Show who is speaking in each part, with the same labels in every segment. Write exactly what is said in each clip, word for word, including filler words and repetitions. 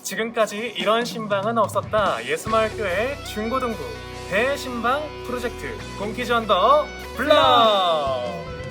Speaker 1: 지금까지 이런 신방은 없었다. 예수마을교회 중고등부 대신방 프로젝트 곰키즈 언더 블럭.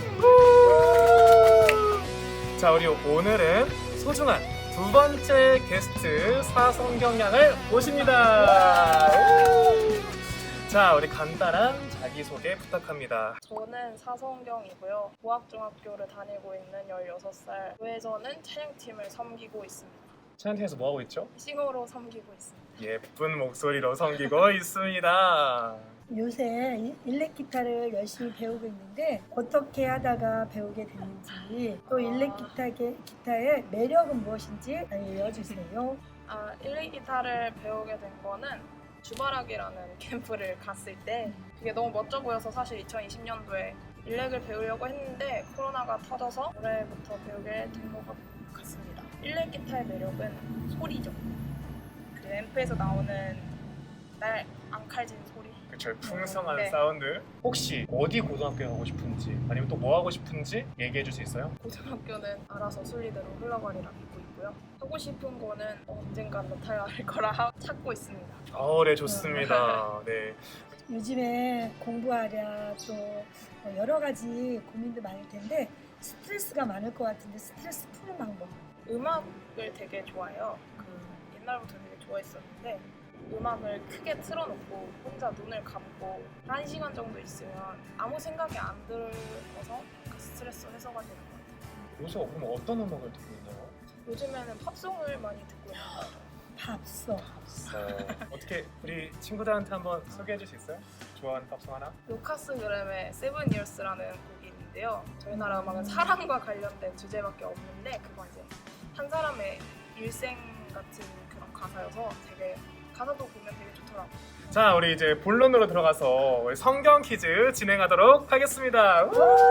Speaker 1: 자, 우리 오늘은 소중한 두 번째 게스트 사성경양을 모십니다. 자, 우리 간단한 자기소개 부탁합니다.
Speaker 2: 저는 사성경이고요. 고학중학교를 다니고 있는 열여섯 살. 교회에서는 찬양팀을 섬기고 있습니다.
Speaker 1: 찬양팀에서 뭐 하고 있죠?
Speaker 2: 싱어로 섬기고 있습니다.
Speaker 1: 예쁜 목소리로 섬기고 있습니다.
Speaker 3: 요새 일렉 기타를 열심히 배우고 있는데 어떻게 하다가 배우게 됐는지 또 일렉 기타, 기타의 매력은 무엇인지 알려주세요.
Speaker 2: 아, 일렉 기타를 배우게 된 거는 주바락이라는 캠프를 갔을 때 그게 너무 멋져 보여서 사실 이천이십 년도에 일렉을 배우려고 했는데 코로나가 터져서 올해부터 배우게 된 것 같습니다. 일렉 기타의 매력은 소리죠. 그 앰프에서 나오는 날 앙칼진 소리.
Speaker 1: 그쵸, 풍성한
Speaker 2: 네.
Speaker 1: 사운드. 혹시 어디 고등학교에 가고 싶은지 아니면 또 뭐 하고 싶은지 얘기해 줄 수 있어요?
Speaker 2: 고등학교는 알아서 순리대로 흘러가리라 믿고 있고요. 하고 싶은 거는 언젠간 나타날 거라 찾고 있습니다.
Speaker 1: 어, 네, 좋습니다. 네.
Speaker 3: 요즘에 공부하랴 또 여러 가지 고민도 많을 텐데 스트레스가 많을 것 같은데 스트레스 푸는 방법.
Speaker 2: 음악을 되게 좋아해요. 그 옛날부터 되게 좋아했었는데 음악을 크게 틀어놓고 혼자 눈을 감고 한 시간 정도 있으면 아무 생각이 안 들어서 그 스트레스 해소가 되는 것 같아요.
Speaker 1: 요새 그럼 어떤 음악을 듣고 있나요?
Speaker 2: 요즘에는 팝송을 많이 듣고 있는 것 같아요.
Speaker 3: 밥써.
Speaker 1: 어, 어떻게 우리 친구들한테 한번 소개해 줄 수 있어요? 좋아하는 팝송 하나?
Speaker 2: 루카스 그램의 세븐 이어스라는 곡이 있는데요. 저희 나라 음악은 사랑과 관련된 주제밖에 없는데 그거 이제 한 사람의 일생 같은 그런 가사여서 되게 가사도 보면 되게 좋더라고요.
Speaker 1: 자, 우리 이제 본론으로 들어가서 우리 성경 퀴즈 진행하도록 하겠습니다.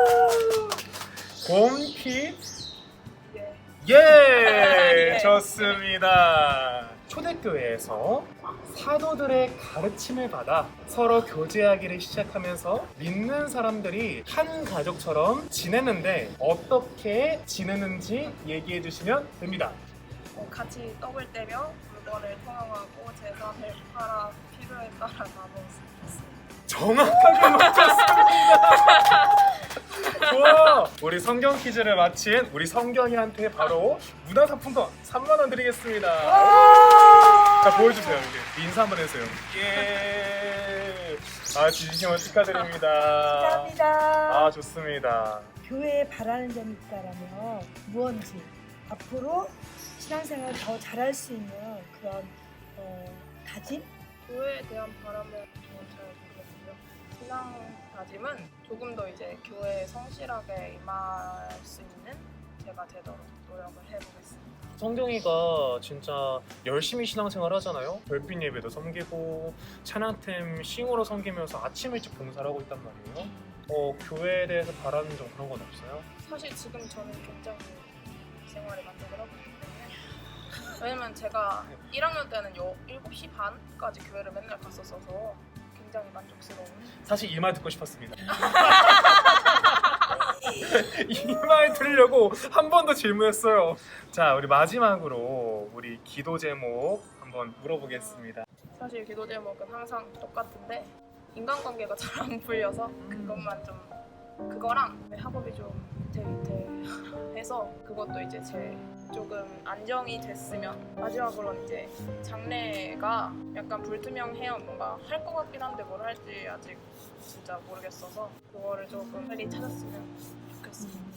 Speaker 1: 곰키
Speaker 2: 네.
Speaker 1: 예,
Speaker 2: 예.
Speaker 1: 좋습니다. 초대교회에서 사도들의 가르침을 받아 서로 교제하기를 시작하면서 믿는 사람들이 한 가족처럼 지내는데 어떻게 지내는지 얘기해 주시면 됩니다.
Speaker 2: 어, 같이 떡을 떼며 물건을 통용하고 재산을 팔아 필요에 따라 나눠 쓰습니다.
Speaker 1: 정확하게 맞췄습니다. 좋아. 우리 성경 퀴즈를 마친 우리 성경이한테 바로 문화상품권 삼만 원 드리겠습니다. 자, 보여주세요. 이렇게 인사 한번 해주세요. 예. 아, 진심으로 축하드립니다.
Speaker 3: 감사합니다.
Speaker 1: 아, 좋습니다.
Speaker 3: 교회에 바라는 점이 있다라면 무언지 앞으로 신앙생활을 더 잘할 수 있는 그런 어, 다짐?
Speaker 2: 교회에 대한 바람은 저는 잘 모르겠고요. 신앙 다짐은 조금 더 이제 교회에 성실하게 임할 수 있는 제가 되도록 노력을 해보겠습니다.
Speaker 1: 성경이가 진짜 열심히 신앙생활 하잖아요. 별빛 예배도 섬기고 찬양팀 싱어로 섬기면서 아침 일찍 봉사를 하고 있단 말이에요. 어, 교회에 대해서 바라는 점 그런 건 없어요?
Speaker 2: 사실 지금 저는 굉장히 생활에 만족을 하고 있기 때문에 왜냐면 제가 일 학년 때는 일곱 시 반까지 교회를 맨날 갔었어서 굉장히 만족스러운.
Speaker 1: 사실 이 말 듣고 싶었습니다. 이 말 들으려고 한 번 더 질문했어요. 자, 우리 마지막으로 우리 기도 제목 한번 물어보겠습니다.
Speaker 2: 사실 기도 제목은 항상 똑같은데 인간관계가 잘 안 풀려서 그것만 좀 그거랑 학업이 좀 위태위태해서 그것도 이제 제 조금 안정이 됐으면 마지막으로는 이제 장래가 약간 불투명해요. 뭔가 할 것 같긴 한데 뭘 할지 아직 진짜 모르겠어서 그거를 조금 빨리 찾았으면 좋겠습니다.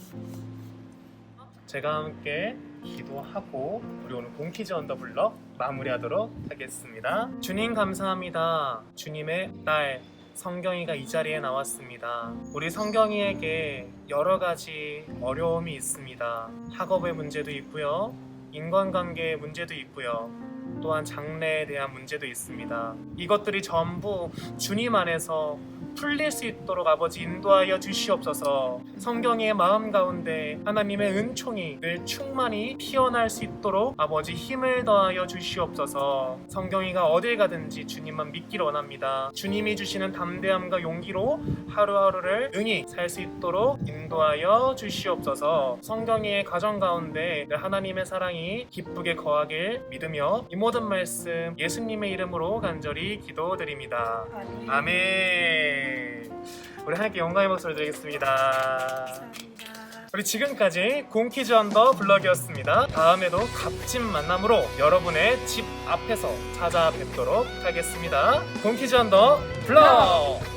Speaker 1: 제가 함께 기도하고 우리 오늘 곰키즈 언더블럭 마무리하도록 하겠습니다. 주님 감사합니다. 주님의 딸 성경이가 이 자리에 나왔습니다. 우리 성경이에게 여러 가지 어려움이 있습니다. 학업의 문제도 있고요. 인간관계의 문제도 있고요. 또한 장래에 대한 문제도 있습니다. 이것들이 전부 주님 안에서 풀릴 수 있도록 아버지 인도하여 주시옵소서. 성경의 마음 가운데 하나님의 은총이 늘 충만히 피어날 수 있도록 아버지 힘을 더하여 주시옵소서. 성경이가 어딜 가든지 주님만 믿기를 원합니다. 주님이 주시는 담대함과 용기로 하루하루를 능히 살 수 있도록 인도하여 주시옵소서. 성경이의 가정 가운데 늘 하나님의 사랑이 기쁘게 거하길 믿으며 이 모든 말씀 예수님의 이름으로 간절히 기도드립니다.
Speaker 3: 아멘.
Speaker 1: 아멘. 우리 하나님께 영광의 목소리 드리겠습니다.
Speaker 3: 감사합니다.
Speaker 1: 우리 지금까지 공키즈 언더 블럭이었습니다. 다음에도 값진 만남으로 여러분의 집 앞에서 찾아뵙도록 하겠습니다. 공키즈 언더 블럭!